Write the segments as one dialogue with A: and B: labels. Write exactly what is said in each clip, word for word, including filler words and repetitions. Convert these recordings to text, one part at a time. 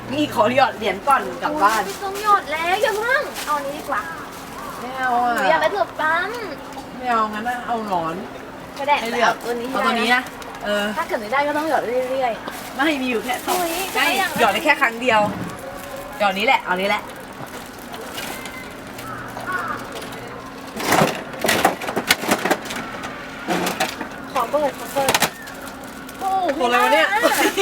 A: นี่ขอหยอดเหรียญก่อนกลับบ้าน
B: ไม่ต้องหยอดแล้วอย่าเพิ่งเอานี้ดีกว่า
A: ไม่เอาอ่ะ
B: หนูอยากได้ถั่วปั๊ม
A: ไม่เอางั้นนะเอาหนอน
B: ไม่ได้
A: ให้เลือก
B: ตัวนี้
A: เอาตัวนี้นะเออ
B: ถ้าเกิดไม่ได้ก็ต้องหยอดเรื่อย
A: ๆไม่มีอยู่แค่สองใช่
B: ห
A: หยอดได้แค่ครั้งเดียวหยอดนี้แหละเอานี้แหละ
B: ขอเปิดขอเปิด
A: โอ้โหอะไรวะเนี่ย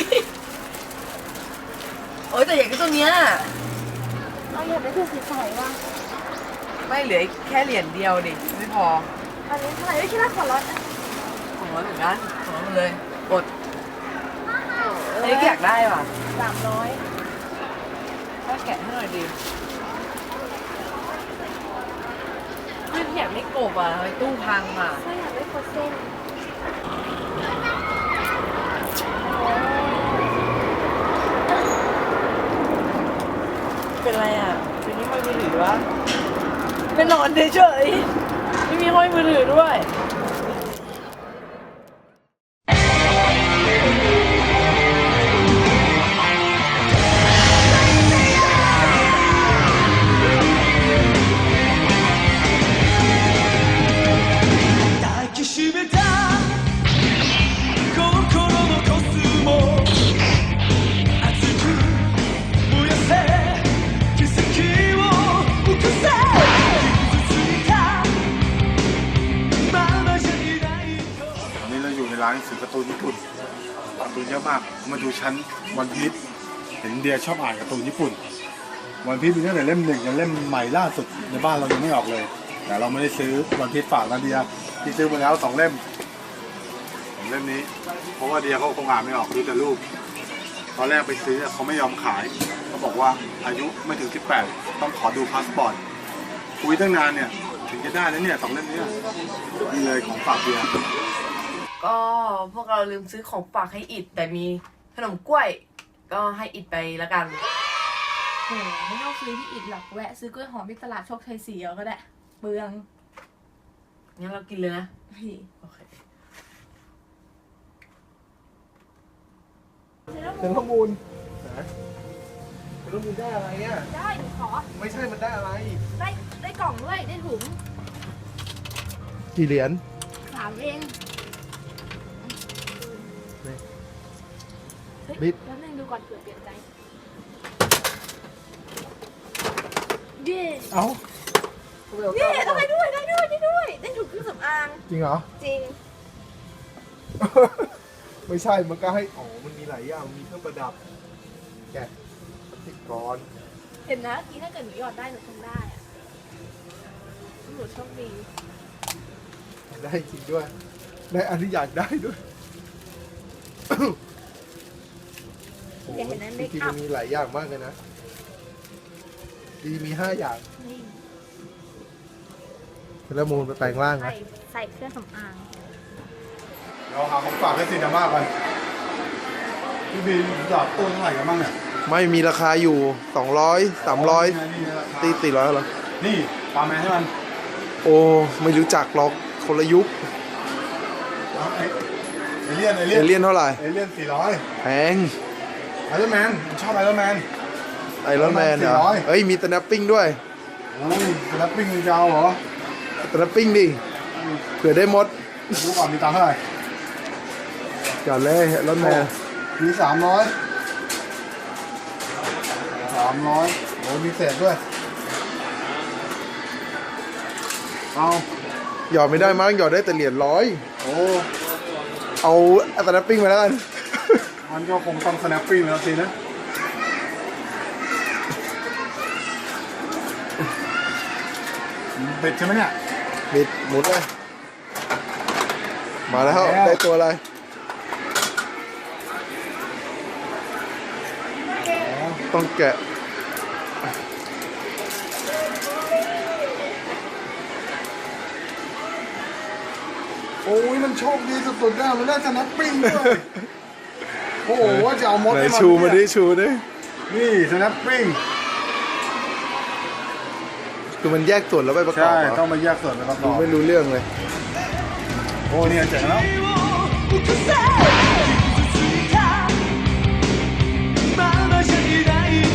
A: โอ้ยแต่อยากได้ตัวเนี้ย
B: เราอยากได้ตัวใสๆว่ะ
A: ไม่เหลือแค่เหรียญเดียวดิไม่พอ
B: อันนี้เท่าไหร่ไม่คิดว่าขอลด
A: ของร้อยเหมือนกันของร้อยเลยกดอันนี้อยากได้ป่ะ
B: สามร้อย
A: ถ้าแกะให้หน่อยดิไม่อยากได้กบอ่ะไอ้ตู้พังอ่ะ
B: ไม่อยากได้โคเส้น
A: เป็นไรอ่ะเป็นนี่ห้อยมือถือวะเป็นนอนเฉยๆไม่มีห้อยมือถือด้วย
C: ร้านหนังสือการ์ตูนญี่ปุ่นการ์ตูนเยอะมากมาดูชั้นวันพีชเห็นเดียชอบอ่านการ์ตูนญี่ปุ่นวันพีชมีตั้งแต่เล่มหนึ่งจนเล่มใหม่ล่าสุดในบ้านเรายังไม่ออกเลยแต่เราไม่ได้ซื้อวันพีชฝากนะเดียที่ซื้อมาแล้วสองเล่มสองเล่มนี้เพราะว่าเดียเขาคงอ่านไม่ออกดูแต่รูปตอนแรกไปซื้อเขาไม่ยอมขายเขาบอกว่าอายุไม่ถึงสิบแปดต้องขอดูพาสปอร์ตคุยตั้งนานเนี่ยถึงจะได้แล้วเนี่ยสองเล่มนี้นี่เลยของฝากเดีย
A: ก็พวกเราลืมซื้อของฝากให้อิดแต่มีขนมกล้วยก็ให้อิดไปแล้วกัน
B: โหไม่ต้องซื้อที่อิดหรอกแวะซื้อกล้วยหอมที่ตลาดโชคชัยสี่เอาก็ได้เบือง
A: งั้นเรากินเลยนะ
B: พี่
A: โอเค
C: เป็นข้อมูลเป็นข้อมูลได้อะไรอ่ะ
B: ได้ขอ
C: ไม่ใช่มันได้อะไร
B: ได้ได้กล่องด้วยได้ถุง
C: กี่เหรียญ
B: สามเอง
C: บิด
B: แล้วนึงดูก่อนเผื่อเปลี่ยนใจเย่
C: เอ้า
B: เย่ได้ด้วยได้ด้วยได้ด้วยได้ถุงเครื่องสำอาง
C: จริงเหรอ
B: จริง
C: ไม่ใช่มันก็ให้อ๋อมันมีหลายอย่างมีเครื่องประดับแกะติดกร
B: เห็นนะกี้ถ้าเกิดหนูหยอดได้หนูทำได้อะหนูโชคดี
C: ได้จริงด้วยได้อันที่อยากได้ด้วย
B: อยากเห็นนั้นเมค
C: อัพ
B: อัพ
C: มีหลายอย่างมากเลยนะดีมีห้าอย่างแล้วมูลไปแปลงร่างนะ
B: ใส่เครื่องสำอาง
C: เราหาของฝากให้ซีนาม่ากันพี่บีหยอดตู้เท่าไหร่กันบ้างเนี่ย
D: ไม่มีราคาอยู่สองร้อยสามร้อยตีตีร้อยเหรอ
C: นี่ปาแมนให้มัน
D: โอ้ไม่รู้จักหรอกคนละยุค
C: เอเลี่ยนเอเลี่
D: ยนเอเลี่ยนเท่าไหร่
C: เอเลี่ยนสี่ร้อย
D: แพง
C: ไอรอนแมนชอบไอรอนแมน
D: ไอรอนแมนเหรอเอ้ยมีสแนปปิ้งด้วย
C: โอ้ยสแนปปิ้งจะเอาเหรอ
D: สแนปปิ้งดิเผื่อได้มด
C: รู้ก่อนมีตังค์เท่าไหร่
D: ก่อนเลยไอรอนแมน
C: มีสามร้อยสามร้อยโอ้มีเศษด้วยเอา
D: หยอดไม่ได้มั้งหยอดได้แต่เหรียญร้อย
C: โอ้
D: เอาสแนปปิ้งมาแล้วกัน
C: มันก็คงต้อง snapping แล้วสินะบิดใช่ไหมเนี่ย
D: บิดหมุนเลยมาแล้วได้ตัวอะไรต้องแกะ
C: โอ้ยมันโชคดีสุดๆนะมันได้ snapping ด้วยโอ้โหว่าจะเอามด
D: ไหนชูมาดิชูดิ
C: นี่สแนปปิ้ง
D: คือมันแยกส่วนแล้วไปประกอบ
C: ใช่ต้องมาแยกส่วนไปประกอบ
D: ไม่รู้เรื่องเลย
C: โอ้เนี่ยเจ๋งแล้ว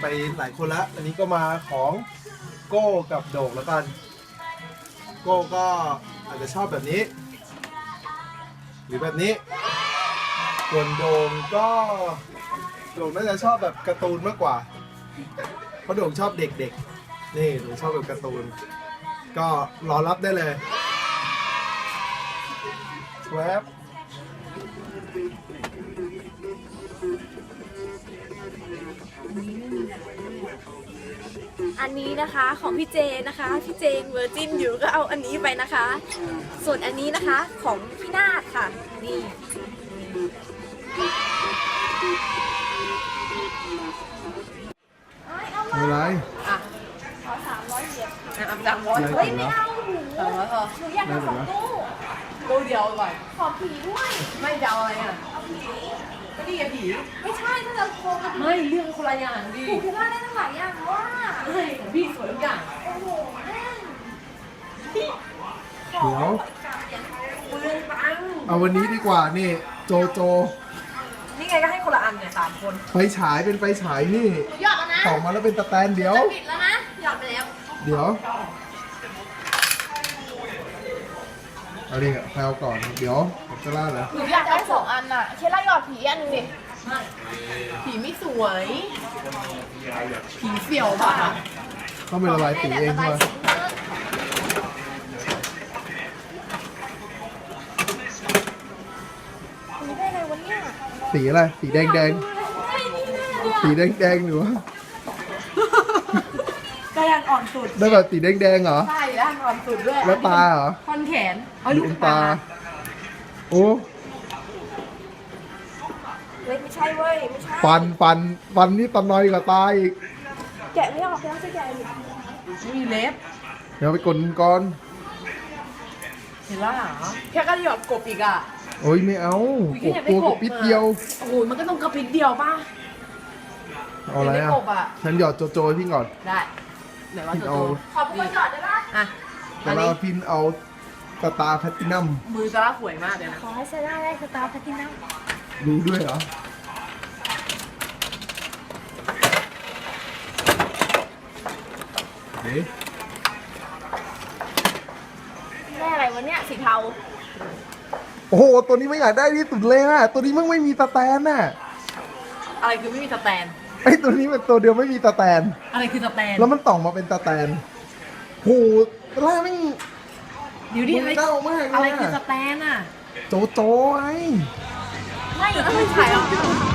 D: ไปหลายคนละอันนี้ก็มาของโก้กับโด่งแล้วกันโก้ก็อาจจะชอบแบบนี้ หรือแบบนี้ส่วนโด่งก็โด่งน่าจะชอบแบบการ์ตูนมากกว่าเพราะโด่งชอบเด็กๆนี่โด่งชอบแบบการ์ตูนก็รอรับได้เลยแวบ
E: อันนี้นะคะของพี่เจนะคะพี่เจเวอร์จินอยู่ก็เอาอันนี้ไปนะคะ ส่วนอันนี้นะคะของพี่นาฏค่ะนี่
D: อะไร
A: อ่ะ
E: ขอสามร้อยเหรียญ
A: อ่ะอับดังร้อย
D: อะไร
E: เฮ้ยไม่เอาหนู
A: สามร้อยพอ
E: หนูอยากได้สองตู้
A: ตู้เดียวก่อน
E: ขอผีด้วย
A: ไม่จะเอาอะไรอ่ะก็นี่ไงผี
E: ไม่ใช่ถ้าจะโคกับผี
A: ไม่เรื่องคนละอย่างดิ
E: ถูกพี่ว่าได้ตั้งหลายอย่างว่า
A: ไม่ของพี่สวยทุกอย่าง
E: โอ้โหแม่ง
D: เดี๋ยว
A: เปลืองตังค์
D: เอาวันนี้ดีกว่านี่โจโจ
A: นี่ไงก็ให้คนละอันเนี่ยสามคน
D: ไฟฉายเป็นไฟฉายนี่
E: หนูหยอดแล้วนะ
D: ต่อมาแล้วเป็นตะแตนเดี๋ยว
E: จะปิดแล้วนะหยอดไปแล้ว
D: เดี๋ยวเอาดิแพลวก่อนเดี๋ยวผมจะล่าเหรอ
E: หนูอยากได้สองอันอ่ะเคล่าหยอดผีอันหนึงดิ
A: ไม่ผีไม่สวย ผีเสี่ยวป่ะ
D: ต้องเป็นละลายสีเองใช่ไหม
E: หนูได้อะไรวะเนี่ย
D: สีอะไรสีแดงแดง
E: ได้นี่แน่เลย
D: สีแดงแดงหรือว่า
A: ก็ยังอ่อนสุด
D: ได้แบบสีแดงแดงเหรอ
A: ใช่แล้วอ่อนสุดด้วย
D: แล้วตาเหรอ
A: ท่อนแขนเอา
D: ลู
A: ลู
D: ก
A: ก
D: ตา
A: ตา
D: โอ้
E: เฮ้ยไม่ใช่เว้ยไม่ใช่
D: ฟันฟันฟันนี่ตะนอยกับตาอีก
E: แกะไม่ออกแล้วจะแกะอยู่
A: ไม่มีเล็บ
D: เดี๋ยวไปกดก่อน
A: เห็นแล้วเหรอแค่ก็หยอดกบอีกอ่ะ
D: โอ้ยไม่เอา
A: อุ๊
D: ก
A: ย
D: บตัวกับปิดเดียว
A: โอ้โหมันก็ต้องกระปิดเดียวป่ะ
D: เอาอะไร
A: เดี๋ยว
D: อ่ะ
A: ได้กบอ่ะ
D: ฉันหยอดโจโจให้พี่ก่อน
A: ได้ไหนว่า
D: พี่
A: โจ
D: เอา
A: โจ
E: ขอเป็นคนหยอดได้ปะ
A: อ่ะ
D: แต่
A: อัน
D: เรา
A: นี้
D: พินเอาสตาร์แพลตตินัม
A: มือซาร่าสวยมากเลยนะ
E: ขอให้ซาร่าได้สตาร์แพลตินัม
D: รู้ด้วยเหรอเฮ้ย
E: ได้อะไรวะเนี่ยสีเทา
D: โอ้โห ตัวนี้ไม่อยากได้ที่สุดเลยอ่ะ ตัวนี้มันไม่มีสแตนน่ะ
A: อะไรคือไม่มีสแตน
D: ไอ้ตัวนี้เป็นตัวเดียวไม่มีสแตน
A: อะไรคือสแตน
D: แล้วมันต่องมาเป็นสแตนโหล่าไม่ง
A: เดี๋ยวดิอะไร
D: มันเก้ามากเลยอะ
A: อะไรคือสแตนอ่ะ
D: โจโจไอ้
A: ไม่แล้วไม่ถ่ายหรอ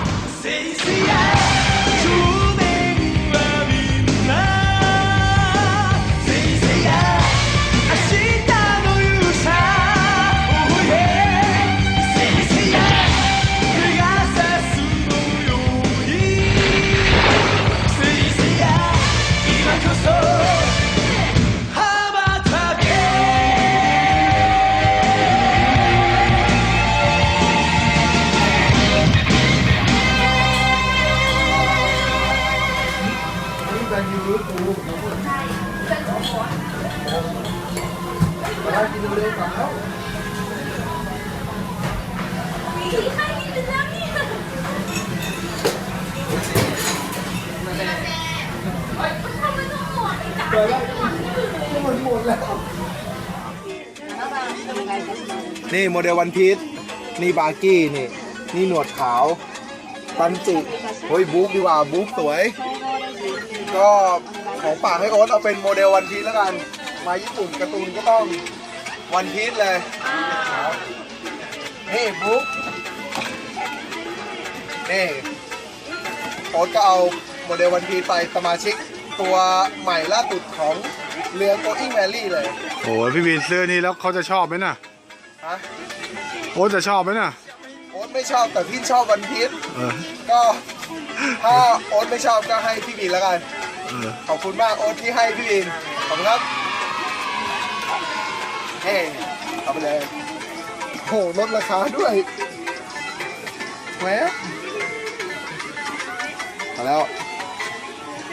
D: นี่แบนยูรูตูใช่เป็นโอ้โหมากินเร็วๆสาว
E: สีใครมีเป็นแล้วเนี่ย
D: เปิดแล้วมันหมดแล้ว นี่โมเดลวันพีชนี่บาร์กี้นี่ นี่หนวดขาว ตันจิเฮ้ยบุ๊กดีกว่าบุ๊กสวย ก็ของฝากให้โอ๊ตเอาเป็นโมเดลวันพีชแล้วกัน มาญี่ปุ่นการ์ตูนก็ต้องวันพีชเลยนี่บุ๊กนี่โอ๊ตก็เอาโมเดลวันพีชไปสมาชิกตัวใหม่ล่าสุดของเรือ Going Merry เลย
C: โอ้ยพี่วินซื้อนี่แล้วเขาจะชอบไหมน่ะ
D: ฮะ
C: โอ้จะชอบไหมน่ะ
D: โอ๊ตไม่ชอบแต่พี่ชอบวันพีช
C: เออ
D: ก็ถ้าโอ๊ตไม่ชอบก็ให้พี่บินแล้วกัน
C: เออ
D: ขอบคุณมากโอ๊ตที่ให้พี่บิน ขอบคุณครับ เฮ้เอาไปเลยโหลดราคาด้วยแหวะมาแล้ว